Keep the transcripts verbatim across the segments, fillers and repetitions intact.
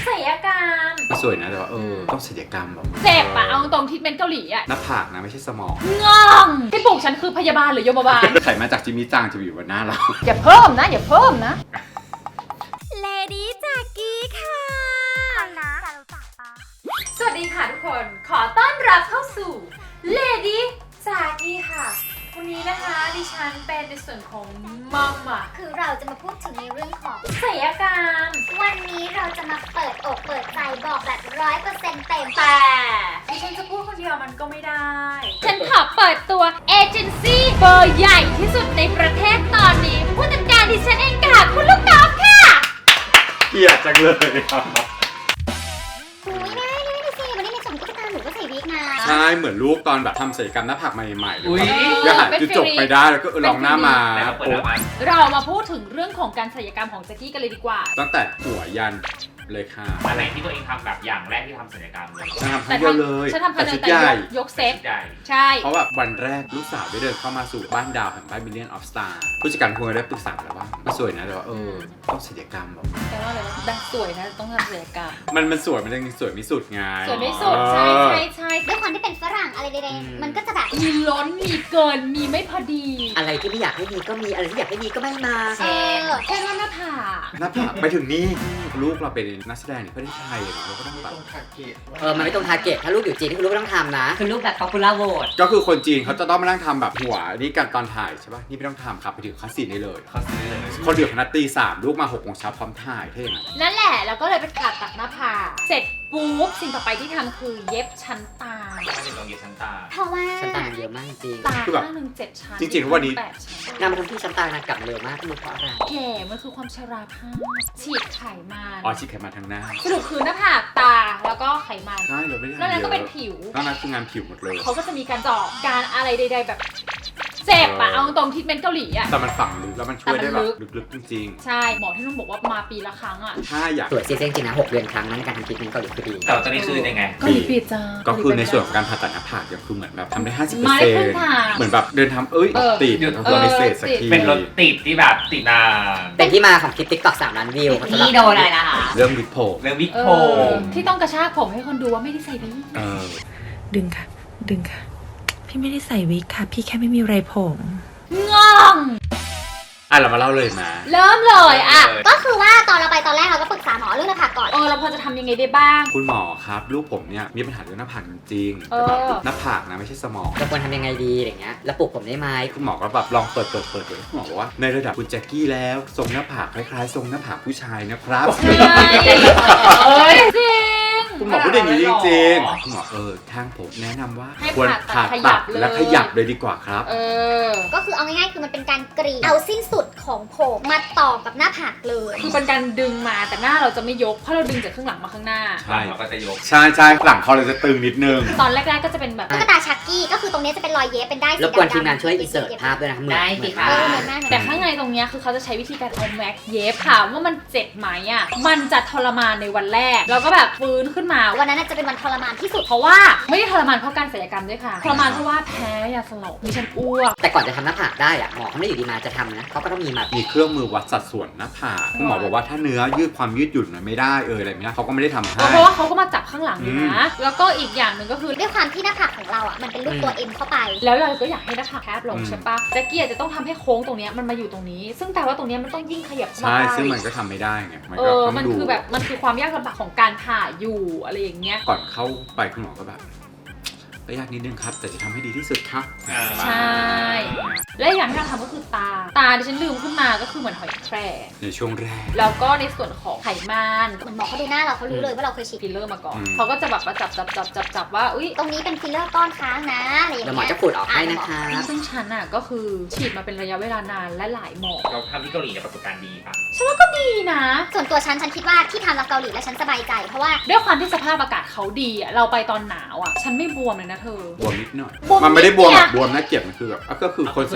ศัลยกรรมสวยนะแต่ว่าเออต้องศัลยกรรมแบบเจ็บอะเอาตรงทิทเมนต์เกาหลีอะหน้าผากนะไม่ใช่สมองงองที่ปลูกฉันคือพยาบาลหรือยมบาลไขมาจากจิมมี่จางจะอยู่บนหน้าเราอย่าเพิ่มนะอย่าเพิ่มนะเลดี้จากกี้ค่ะสวัสดีค่ะทุกคนขอต้อนรับเข้าสู่เลดี้จากกี้ค่ะวันนี้นะคะดิฉันเป็นในส่วนของมัมอ่ะคือเราจะมาพูดถึงในเรื่องของศัลยกรรมวันนี้เราจะมาเปิดอกเปิดใจบอกแบบร้อยเปอร์เซ็นต์เต็มแต่ดิฉันจะพูดคนเดียวมันก็ไม่ได้ฉันขอเปิดตัวเอเจนซี่เบอร์ใหญ่ที่สุดในประเทศตอนนี้ผู้จัดการดิฉันเองค่ะคุณลูกน้องค่ะเกลียดจังเลยอุ้ยไม่ไม่ไม่สิวันนี้ในส่วนผู้จัดการหนูก็ใส่วิกนะใช่เหมือนลูกตอนแบบทำศัลยกรรมหน้าผากใหม่ๆเลยก็หาจุดจบไปได้แล้วก็ลองหน้ามาเรามาพูดถึงเรื่องของการศัลยกรรมของแจ็คกี้กันเลยดีกว่าตั้งแต่หัวยันเลยค่ะอะไรที่ตัวเองทำแบบอย่างแรกที่ทำศัลยกรรมเลยฉันทำคนเดียวเลยฉันทำคนเดียวแต่ยกเซตใช่เพราะว่าวันแรกลูกสาวได้เดินเข้ามาสู่บ้านดาวแห่งบ้านมิลเลียนออฟสตาร์ผู้จัดการพวงได้ปรึกษาแล้วว่ามันสวยนะแต่ว่าเออต้องศัลยกรรมแบบแปลว่าอะไรวะแบบสวยนะต้องทำศัลยกรรมมันมันสวยมันยังสวยไม่สุดไงสวยไม่สุดใช่ใช่ใช่ด้วยความที่เป็นฝรั่งอะไรใดๆมันก็จะแบบมีล้นมีเกินมีไม่พอดีอะไรที่ไม่อยากให้มีก็มีอะไรที่อยากให้มีก็ไม่มาเช่นเช่นว่าหน้าผากหน้าผากไปถึงนี่ลูกเราเป็นนักแสดงในประเทศไทยเราก็ต้องแบบเออมันไม่ตรงทาร์เก็ตถ้าลูกอยู่จีนคือลูกต้องทำนะคือลูกแบบ popular vote ก็คือคนจีนเขาจะต้องมานั่งทำแบบหัวนี่กันตอนถ่ายใช่ป่ะนี่ไม่ต้องทำครับไปถึงคัสซีนได้เลยคัสซีนได้เลยคนเดือดคณะตีสามลูกมาหกโมงเช้าพร้อมถ่ายเท่ไหมนั่นแหละแล้วก็เลยไปตัดตัดหน้าผากเสร็จปุ๊บสิ่งต่อไปที่ทำคือเย็บชั้นตาไม่ถึงตรงเย็บชั้นตาเพราะว่าชั้นตาเยอะมากจริงตาข้างหนึ่งเจ็ดชั้นจริงๆทุกวันนี้งานมาทำที่ชั้นตานะกลับเร็วมากไม่รู้เพราะอะไรแก่มันคือความชราภาพฉีดไขมันอ๋อฉีดไขมันทางหน้าสรุปคือหน้าผากตาแล้วก็ไขมันใช่เราไม่ได้ทำเยอะนั่นก็เป็นผิวนั่นคืองานผิวหมดเลยเขาก็จะมีการเจาะการอะไรใดๆแบบเจ็บอะเอาตรงทิทเมนต์เกาหลีอะแต่มันฝังลึกแล้วมันช่วยได้แบบลึกๆจริงๆใช่หมอที่นุ่นบอกว่ามาปีละครั้งอะถ้าอยากสวยจริงจริงนะหกเดือนครั้งนั้นการทำทรีทเมนต์เกาหลีคือดีแต่ตอนนี้คือยังไงเกาหลีปีจ้าก็คือในส่วนของการผ่าตัดหน้าผากยังคือเหมือนแบบทำได้ห้าสิบเปอร์เซ็นต์เหมือนแบบเดินทำเอ้ยติดเราไม่เสร็จสักทีเป็นรถติดที่แบบติดนานเป็นที่มาของคลิปติ๊กต็อกสามล้านวิวนี่โดนอะไรล่ะเรื่องวิกผมเรื่องวิกผมที่ต้องกระชากผมให้คนดูว่าไม่ได้ใส่วิกดึงค่ะดึงค่ะพี่ไม่ได้ใส่วิกค่ะพี่แค่ไม่มีไรผมงงอ่ะเรามาเล่าเลยมาเริ่มเลยอ่ะก็คือว่าตอนเราไปตอนแรกเราก็ปรึกษาหมอเรื่องหน้าผากก่อนเออเราพอจะทำยังไงได้บ้างคุณหมอครับลูกผมเนี่ยมีปัญหาเรื่องหน้าผากจริงๆแต่แบบหน้าผากนะไม่ใช่สมองจะควรทำยังไงดีอย่างเงี้ยแล้วปลุกผมได้ไหมคุณหมอก็แบบลองเปิดเปิดเปิดเลยคุณหมอบอกว่าในระดับคุณแจ็คกี้แล้วทรงหน้าผากคล้ายๆทรงหน้าผากผู้ชายนะครับใช่เอ้ยจริงคุณหมอพูดอย่างนี้จริงๆคุณหมอเออทางผมแนะนำว่าควรผ่าตัดและขยับเลยดีกว่าครับเออก็คือเอาง่ายๆคือมันเป็นการกรีดเอาสิ้นสุดของผมมาต่อกับหน้าผากเลยคือเป็นการดึงมาแต่หน้าเราจะไม่ยกเพราะเราดึงจากข้างหลังมาข้างหน้าใช่เราก็จะยกใช่ใช่หลังเขาเลยจะตึงนิดนึงตอนแรกๆก็จะเป็นแบบตุ๊กตาชักกี้ก็คือตรงนี้จะเป็นรอยเย็บเป็นได้สีดำๆแล้วควรทีมงานช่วยอินเสิร์ตภาพด้วยนะได้สิค่ะแต่ข้างในตรงนี้คือเขาจะใช้วิธีการเอาแม็กเย็บถามว่ามันเจ็บไหมอ่ะมันจะทรมานในวันแรกแล้วก็แบบฟื้นขึ้นมาวันนั้นจะเป็นวันทรมานที่สุดเพราะว่าไม่ได้ทรมานเพราะการศัลยกรรมด้วยค่ะทรมานเพราะว่าแพ้ยาสลบมีฉันอ้วกแต่ก่อนจะทำหน้าผากได้อะหมอเขาไม่อยู่ดีมาจะทำนะเขาก็ต้องมีมามีเครื่องมือวัดสัดส่วนหน้าผากคุณหมอบอกว่าถ้าเนื้อยืดความยืดหยุ่นมันไม่ได้เอออะไรไม่ได้เขาก็ไม่ได้ทำให้เพราะว่าเขาก็มาจับข้างหลังอยู่นะแล้วก็อีกอย่างหนึ่งก็คือด้วยความที่หน้าผากของเราอ่ะมันเป็นรูปตัว M เข้าไปแล้วเราก็อยากให้หน้าผากแคบลงใช่ปะแจ็คกี้จะต้องทำให้โค้งตรงนี้มันมาอยู่ตรงนี้ซึ่งแต่ว่าตรงนี้มันต้องยิ่งขยับใช่ซึ่งมันก็ทำไม่ได้ไงมันก็มันคือแบบมันคือความยากลำบากของการผ่าอยู่อะไรอย่างเงี้ยก่อนเข้าไปคุณหมอก็แบบก็ยากนิดนึงครับแต่จะทำให้ดีที่สุดครับใช่และอย่างที่เราทำก็คือตาตาดิฉันลืมขึ้นมาก็คือเหมือนหอยแครงในช่วงแรกแล้วก็ในส่วนของไขมันเหมือนหมอเขาดูหน้าเราเขารู้เลยว่าเราเคยฉีดฟิลเลอร์มาก่อนเขาก็จะแบบมาจับจับจับจับจับว่าอุ้ยตรงนี้เป็นฟิลเลอร์ก้อนค้างนะอะไรอย่างเงี้ยหมอจะขูดออกให้นะคะซึ่งฉันอ่ะก็คือฉีดมาเป็นระยะเวลานานและหลายหมอเราทำที่เกาหลีเนี่ยประสบการณ์ดีปะฉันว่าก็ดีนะส่วนตัวฉันฉันคิดว่าที่ทำกับเกาหลีแล้วฉันสบายใจเพราะว่าด้วยความที่สภาพอากาศเขาดีอ่ะเราไปตอนหนาวอ่ะฉันไม่บวมเลยนะเธอบวมนิดหน่อยมันไม่ได้บวมแบบบวมน่าเกลียดมันคือแบบก็คือคนส่วนใหญ่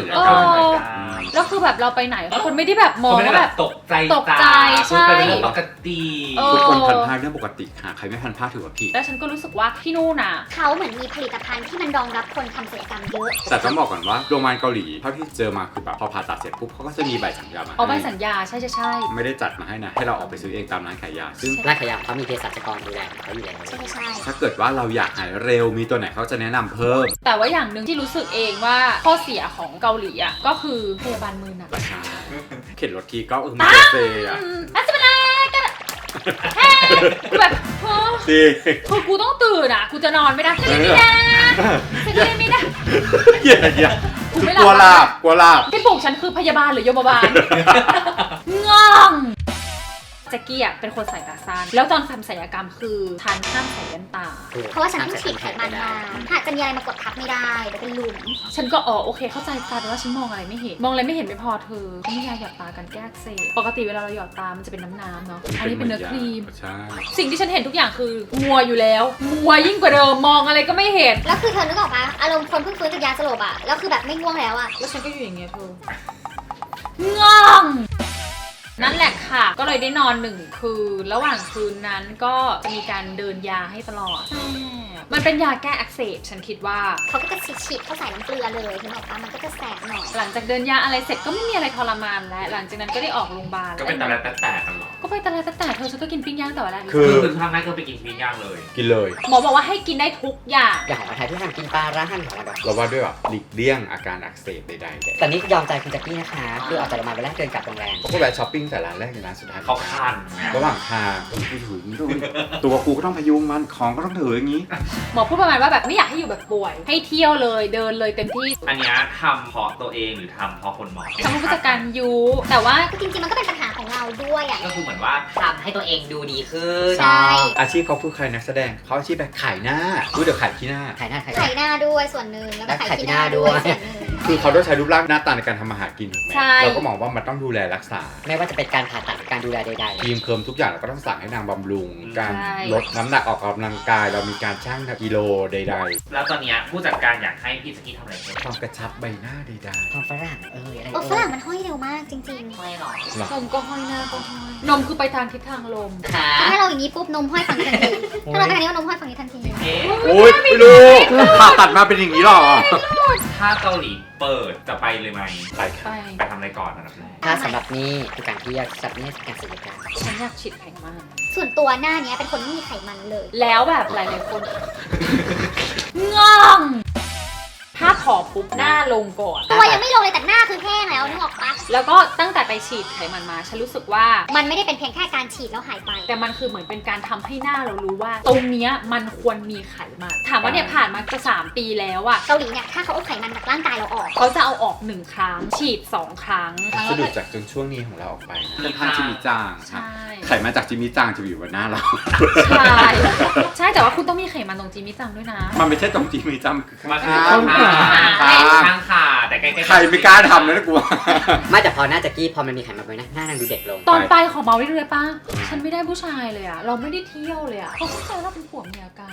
ยเอกรรมอแล้วคือแบบเราไปไหนคนไม่ได้แบบมองคนไม่ได้ว่าแบแบบ บตกใจตกใจคือเป็นใช่เรื่องปกติเออทุกคนพันผ้าเรื่องปกติค่ะใครไม่พันผ้าถือว่าผิดแล้วฉันก็รู้สึกว่าที่นู่นน่ะเขาเหมือนมีผลิตภัณฑ์ที่มันรองรับคนทำศัลยกรรมเยอะแต่ต้องบอกก่อนว่าโรงพยาบาลเกาหลีเท่าที่เจอมาคือแบบพอผ่าตัดเสร็จปุ๊บเขาก็จะมีใบสัญญามาเอาใบให้สัญญาใช่ใช่ใช่ไม่ได้จัดมาให้นะให้เราออกไปซื้อเองตามร้านขายยาซึ่งร้านขายยาเขามีเภสัชกรดูแลเขาอยู่แล้วใช่ใช่ถ้าเกิดว่าเราอยากหายเร็วมีตัวไหนเขาจะแนะนำเพิ่มแต่ว่าอย่างหนึ่งที่รู้สึกเองว่าข้อเสียของเกาหลีอ่ะก็คือพยาบาลมือหนักใช่เข็นรถทีก็เออมันเซอะอืมอาจจะเป็นอะไรกันอะแฮ่กูแบบโอ้ดีคือกูต้องตื่นอ่ะกูจะนอนไม่ได้จะเล่นไม่ได้จะเล่นไม่ได้อย่าอย่ากูไม่กลัวหลับกลัวหลับที่ปลุกฉันคือพยาบาลหรือโยมบาล ง่องแจ็กกี้อ่ะเป็นคนใส่ตาสั้นแล้วตอนทำศัลยกรรมคือฉันห้ามใส่แว่นตาเพราะว่าฉันเพิ่งฉีดไขมันมาถ้าจะมีอะไรมากดทับไม่ได้เดี๋ยวเป็นหลุมฉันก็อ๋อโอเคเข้าใจตาแต่ว่าฉันมองอะไรไม่เห็น มองอะไรไม่เห็นไม่พอเธอเขามียาหยอดตากันแก้อักเสบปกติเวลาเราหยอดตามันจะเป็นน้ำๆเนาะอันนี้เป็นเนื้อครีมใช่สิ่งที่ฉันเห็นทุกอย่างคือมัวอยู่แล้วมัวยิ่งกว่าเดิมมองอะไรก็ไม่เห็นแล้วคือเธอนึกออกปะอารมณ์คนเพิ่งฟื้นจากยาสลบอะแล้วคือแบบไม่ง่วงแล้วอะแล้วฉันก็อยู่อย่างเงี้ยเธอง่องนั่นแหละค่ะ ก็เลยได้นอนหนึ่งคืนระหว่างคืนนั้นก็จะมีการเดินยาให้ตลอดมันเป็นยาแก้อักเสบฉันคิดว่าเขาก็จะฉีดเข้าใส่น้ำเกลือเลยนึกออกปะมันก็จะแสบหน่อยหลังจากเดินยาอะไรเสร็จก็ไม่มีอะไรทรมานแล้วหลังจากนั้นก็ได้ออกโรงพยาบาลก็เป็นตะแลตะแตกกันเหรอก็ไปตะเลตะแต่เธอฉันก็กินปิ้งย่างแต่ว่าแรกคือคือทางนั้นก็ไปกินปิ้งย่างเลยกินเลยหมอบอกว่าให้กินได้ทุกอย่างอย่างของไทยที่ทำกินปลาร้าหั่นของมันแบบเราว่าด้วยแบบหลีกเลี่ยงอาการอักเสบใดๆแต่แต่นี่ยอมใจคุณแจ็คกี้นะคะคือออกจากโรงพยาบาลไปแรกเดินกลับโรงแรมเขาก็แวะช้อปปิ้งแต่ร้านแรกในร้านสุดท้ายเขาคันระหว่างทางไปถึงด้วยตัวกูก็ต้องพยุงมันของก็ต้องถืออย่างนี้หมอพูดประมาณว่าแบบไม่อยากให้อยู่แบบป่วย ให้เที่ยวเลยเดินเลยเต็มที่อันเนี้ยทำเพราะตัวเองหรือทำเพราะคนมองทำผู้จัดการยูแต่ว่าคือจริงๆมันก็เป็นปัญหาของเราด้วยอะก็คือเหมือนว่าทำให้ตัวเองดูดีขึ้นใช่อาชีพเขาคือใครนักแสดงเขาอาชีพแบบขายหน้ารู้เดี๋ยวขายขี้หน้าขายหน้าขายไข่หน้าด้วยส่วนหนึ่งแล้วก็ไข่ที่หน้าด้วยส่วนหนึ่งคือเขาต้องใช้รูปร่างหน้าตาในการทำอาหารกินถูกไหมใช่เราก็มองว่ามันต้องดูแลรักษาไม่ว่าจะเป็นการผ่าตัดหรือการดูแลใดครีมเคิร์มทุกอย่างเราก็ต้องสั่งให้นางบำรุง การใช่ลดน้ำหนักออกกำลังกาย เรามีการชั่งกิโลใดแล้วตอนเนี้ยผู้จัดการอยากให้พี่สกี้ทำอะไรเพิ่มๆความกระชับใบหน้าใดๆความฝรั่งเอออะไรโอ้เอฝอรั่งมันห้อยเร็วมากจริงไม่หรอกๆหรอนมก็ห้อยหน้าก็ห้อยนมคือไปทางทิศทางลมค่ะๆถ้าเราอย่างนี้ปุ๊บนมห้อยฝั่งนี้ทันทีถ้าเราไปทางนี้ก็นมห้อยฝั่งนี้ทันทีเอ๊ะโอ้ยไม่รู้ผ่าตัดมาเป็นอย่างนี้หรอถ้าเกาหลีเปิดจะไปเลยไหมไปไปค่ะไปทำอะไรก่อนอันดับแรกถ้าสำหรับนี่คือการเที่ยวสำหรับนี่คือการศัลยกรรมฉันอยากฉีดไขมันส่วนตัวหน้าเนี้ยเป็นคนไม่มีไขมันเลยแล้วแบบหลายๆคน ง่องถ้าขอปุ๊บหน้าลงก่อนตัวยังไม่ลงเลยแต่หน้าคือแห้งแล้วนึกออกปะแล้วก็ตั้งแต่ไปฉีดไขมันมา ฉันรู้สึกว่ามันไม่ได้เป็นเพียงแค่การฉีดแล้วหายไปแต่มันคือเหมือนเป็นการทำให้หน้าเรารู้ว่า ตรงเนี้ยมันควรมีไขมัน ถามว่าเนี่ยผ่านมาจะสามปีแล้วอะเกาหลีเนี่ยถ้าเขาเอาไขมันจากร่างกายเราออกเขาจะเอาออกหนึ่งครั้ง ฉีดสองครั้งสะดุดจากจนช่วงนี้ของเราออกไปเป็นทางจิมิจางใช่ไขมันจากจิมิจางจะอยู่บนหน้าเราใช่ใช่แต่ว่าคุณต้องมีไขมันตรงจีมิจังด้วยนะมันไม่ใช่ตรงจิมิจางมันคือมาข้าข้างงขาข้างข้างขาแต่ใกล้ๆใครไม่กล้าทำเลยนะกูไม่แต่พอหน้าแจ็คกี้พอมันมีไขมันไปนะหน้านางดูเด็กลงตอนไปขอเมาได้เลยป้าฉันไม่ได้ผู้ชายเลยอะเราไม่ได้เที่ยวเลยอะเขาเข้าใจว่าเราเป็นผัวเมียกัน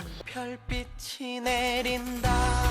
별빛이 내린다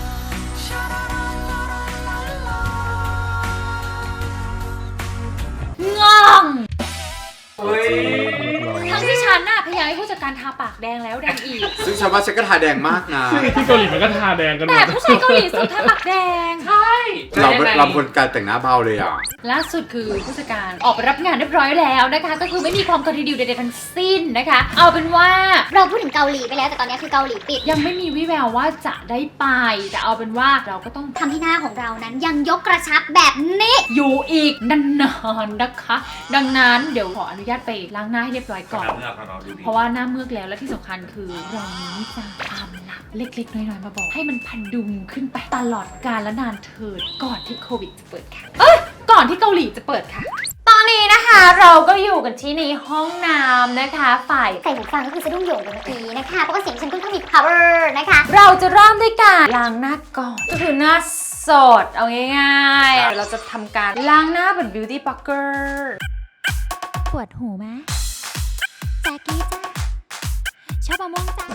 ง่องเฮ้ยทั้งที่ฉันน่ะพยายามให้ผู้จัดการทาปากแดงแล้วแดงอีกซึ่งชาวบ้านฉันก็ทาแดงมากนะที่เกาหลีมันก็ทาแดงกันหมแต่ดผู้ชายเกาหลีสุดทาปากแดงใช่เราเราคนการแต่งหน้าเบาเลยอ่ะล่าสุดคือผู้จัดการออกไปรับงานเรียบร้อยแล้วนะคะ ก็คือไม่มีความคอนทิดิวใดๆทั้งสิ้นนะคะ เอาเป็นว่าเราพูดถึงเกาหลีไปแล้วแต่ตอนนี้คือเกาหลีปิดยังไม่มีวิแววว่าจะได้ไปแต่เอาเป็นว่าเราก็ต้องทำให้หน้าของเรานั้นยังยกกระชับแบบนี้อยู่อีกนานๆนะคะ ดังนั้นเดี๋ยวขออนุญาตไปล้างหน้าให้เรียบร้อยก่อนเมื่อเราดูดีเพราะว่าหน้าเมือกแล้วและที่สำคัญคือเรานี้จะความลับเล็กๆน้อยๆมาบอก ให้มันพันดุงขึ้นไปตลอดกาลและนานเถิดก่อนที่โควิดจะเปิดค่ะ เอ้ยก่อนที่เกาหลีจะเปิดค่ะ ตอนนี้นะคะเราก็อยู่กันที่ในห้องน้ำนะคะฝ่ายใส่หูฟังก็คือสะดุ้งโหยงอยู่เมื่อกี้นะคะเพราะว่าเสียงฉันค่อนข้างมี power นะคะเราจะเริ่มด้วยการล้างหน้าก่อนก็คือหน้าสดเอาง่ายๆเดี๋ยวเราจะทำการล้างหน้าแบบ beauty blogger ปวดหูไหมแจ๊กกี้จ้าชอบมะม่วงจ้าเอาละค่ะ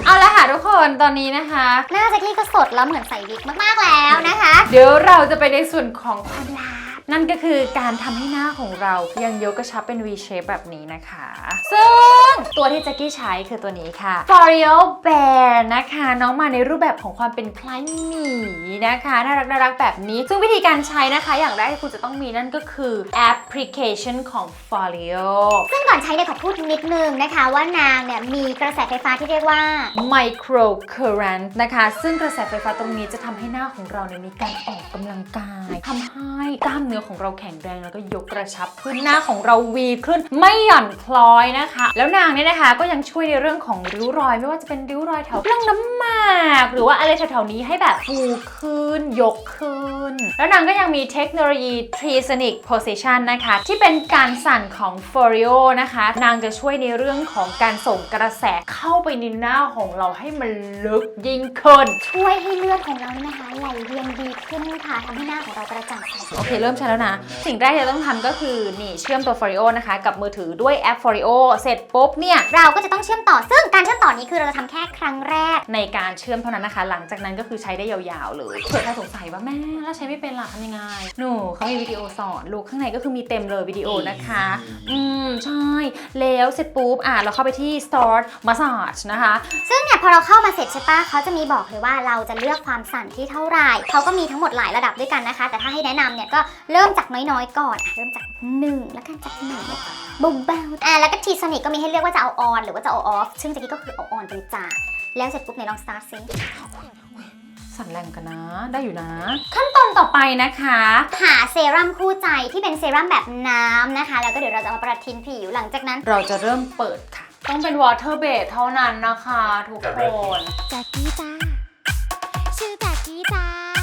ทุกคนตอนนี้นะคะหน้าแจ็คกี้ก็สดแล้วเหมือนใส่วิกมากๆแล้วนะคะเดี๋ยวเราจะไปในส่วนของความลับนั่นก็คือการทำให้หน้าของเรายังยกกระชับเป็น V shape แบบนี้นะคะ ซึ่งตัวที่แจ็คกี้ใช้คือตัวนี้ค่ะ L'Oreal Bear นะคะน้องมาในรูปแบบของความเป็นคล้ายหมีนะคะน่ารักน่ารักแบบนี้ซึ่งวิธีการใช้นะคะอย่างแรกที่คุณจะต้องมีนั่นก็คือแอปพลิเคชันของ L'Oreal ซึ่งก่อนใช้เนี่ยขอพูดนิดนึงนะคะว่านางเนี่ยมีกระแสไฟฟ้าที่เรียกว่า Micro Current นะคะซึ่งกระแสไฟฟ้าตรงนี้จะทำให้หน้าของเราเนี่ยมีการออกกำลังกายทำให้กล้ามเนื้อของเราแข็งแรงแล้วก็ยกกระชับขึ้นหน้าของเราวีขึ้นไม่หย่อนคล้อยนะคะแล้วนางเนี่ยนะคะก็ยังช่วยในเรื่องของริ้วรอยไม่ว่าจะเป็นริ้วรอยแถวร่องน้ำหมากหรือว่าอะไรแถวๆนี้ให้แบบฟูขึ้นยกขึ้นแล้วนางก็ยังมีเทคโนโลยี Trisonic Position นะคะที่เป็นการสั่นของ L'Oreal นะคะนางจะช่วยในเรื่องของการส่งกระแสเข้าไปในหน้าของเราให้มันลึกยิ่งขึ้นช่วยให้เลือดของเราเนี่ยนะคะไหลเวียนดีขึ้นค่ะทำให้หน้าของเรากระจ่างใสโอเคเริ่มใช้แล้วนะสิ่งแรกที่เราต้องทำก็คือนี่เชื่อมตัว L'Oreal นะคะกับมือถือด้วยแอป L'Oreal เสร็จปุ๊บเนี่ยเราก็จะต้องเชื่อมต่อซึ่งการเชื่อมต่อนี้คือเราจะทำแค่ครั้งแรกในการเชื่อมเท่านั้นนะคะหลังจากนั้นก็คือใช้ได้ยาวๆเลยเผื่อใครสงสัยว่าแม่แล้วใช้ไม่เป็นล่ะทำยังไงหนูเขามีวิดีโอสอนลูกข้างในก็คือมีเต็มเลยวิดีโอนะคะอืมใช่แล้วเสร็จปุ๊บอ่ะเราเข้าไปที่ Start Massage นะคะซึ่งเนี่ยพอเราเข้ามาเสร็จใช่ปะเขาจะมีบอกเลยว่าเราจะเลือกความสั่นที่เท่าไหร่เขาก็มีทั้งหมดหลายระดับด้วยกันนะคะแต่ถ้าให้แนะนำเนี่ยก็เริ่มจากน้อยๆก่อนอ่ะเริ่มจากหนึ่งแล้วกันจากหนึ่งเบาๆอ่ะแล้วก็ทีสนิกก็มีให้เลือกว่าจะเอาออนหรือว่าจะเอาออฟซึ่งตะกี้ก็คือเอาออนไปเลยจ้าแล้วเสร็จปุ๊บเนี่ยลอง start ซิสั่นแรงกันนะได้อยู่นะ ขั้นตอนต่อไปนะคะหาเซรั่มคู่ใจที่เป็นเซรั่มแบบน้ำนะคะแล้วก็เดี๋ยวเราจะมาประทินผิวหลังจากนั้นเราจะเริ่มเปิดค่ะต้องเป็น water base เท่านั้นนะคะทุกคนแจ็คกี้จ้าชื่อแจ็คกี้จ้า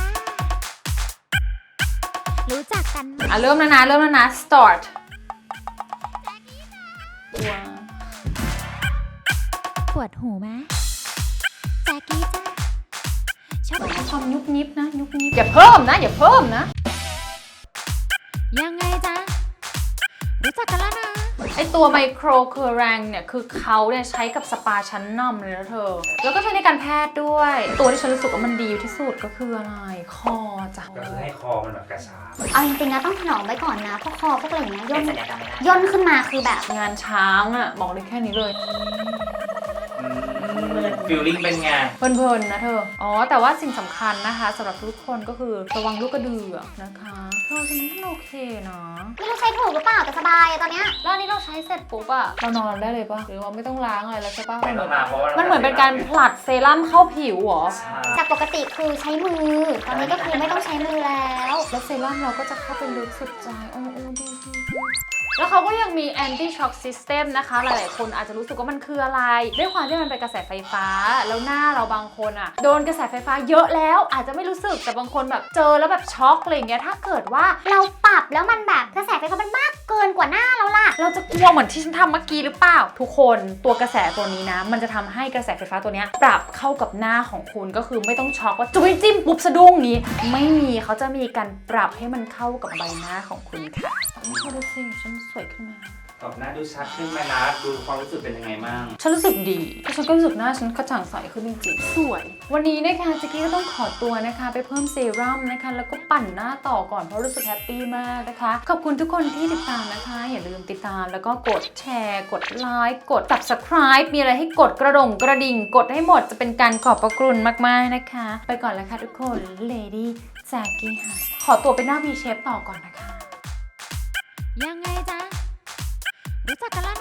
รู้จักกันไหมอ่ะเริ่มแล้วนะเริ่มแล้วนะ start ว้าวปวดหูไหมแจ็คกี้จ้าชอบความยุบยิบนะยุบยิบอย่าเพิ่มนะอย่าเพิ่มนะยังไงจ้ารู้จักกันแล้วนะไอตัวไมโครเคอร์แรงเนี่ยคือเขาเนี่ยใช้กับสปาชั้นนำเลยนะเธอแล้วก็ใช้ในการแพทย์ด้วย ตัวที่ฉันรู้สึกว่ามันดีที่สุดก็คืออะไรคอจ้ะก็คือให้คอมันแบบกระชับเอาจริงๆนะต้องถนอมไว้ก่อนนะพวกคอพวกอะไรอย่างเงี้ยย่นเป็นสัญญากรรมไม่ได้ย่นขึ้นมาคือแบบงานช้างอะบอกเลยแค่นี้เลยฟิลลิ่งเป็นไงเพลินๆนะเธออ๋อแต่ว่าสิ่งสำคัญนะคะสำหรับทุกคนก็คือระวังลูกกระเดือกนะคะเธอฉันว่าโอเคนะไม่รู้ใช้ถูกหรือเปล่าแต่สบายอะตอนเนี้ยแล้วอันนี้เราใช้เสร็จปุ๊บอะเรานอนได้เลยปะหรือว่าไม่ต้องล้างอะไรแล้วใช่ปะไม่ต้องมาเพราะว่ามันเหมือนเป็นการผลัดเซรั่มเข้าผิวเหรอใช่จากปกติคือใช้มือ ตอนนี้ก็คือไม่ต้องใช้มือแล้วแล้วเซรั่มเราก็จะเข้าไปลึกสุดใจโอ้โอ้ดีดีดีแล้วเขาก็ยังมี anti shock system นะคะ หลายๆคนอาจจะรู้สึกว่ามันคืออะไร ด้วยความที่มันเป็นกระแสไฟฟ้า แล้วหน้าเราบางคนอ่ะ โดนกระแสไฟฟ้าเยอะแล้ว อาจจะไม่รู้สึก แต่บางคนแบบเจอแล้วแบบช็อกอะไรอย่างเงี้ย ถ้าเกิดว่าเราปรับแล้วมันแบบกระแสไฟฟ้ามันมากเกินกว่าหน้าเราล่ะเราจะกลัวเหมือนที่ฉันทำเมื่อกี้หรือเปล่า ทุกคนตัวกระแสตัวนี้นะ มันจะทำให้กระแสไฟฟ้าตัวเนี้ยปรับเข้ากับหน้าของคุณก็คือไม่ต้องช็อกว่าจุ้ยจิ้มปุ๊บสะดุ้งอย่างนี้ ไม่มีเขาจะมีการปรับให้มันเข้ากับใบหน้าของคุณค่ะเขาดูสิฉันสวยขึ้นมาตอบหน้าดูชัดขึ้นไหมนะดูความรู้สึกเป็นยังไงบ้างฉันรู้สึกดีแล้วฉันก็รู้สึกหน้าฉันกระจ่างใสขึ้นจริงๆสวย วันนี้นะคะจิกกี้ก็ต้องขอตัวนะคะ ไปเพิ่มเซรั่มนะคะ แล้วก็ปั่นหน้าต่อก่อนเพราะรู้สึกแฮปปี้มากนะคะ ขอบคุณทุกคนที่ติดตามนะคะ อย่าลืมติดตามแล้วก็กดแชร์ กดไลค์กด subscribe มีอะไรให้กดกระดงกระดิ่ง กดให้หมดจะเป็นการขอบพระคุณมากๆนะคะ ไปก่อนแล้วค่ะทุกคน Lady Jackie ค่ะขอตัวไปหน้า V shape ต่อก่อนนะคะยังไงจ๊ะรู้จักกันแล้ว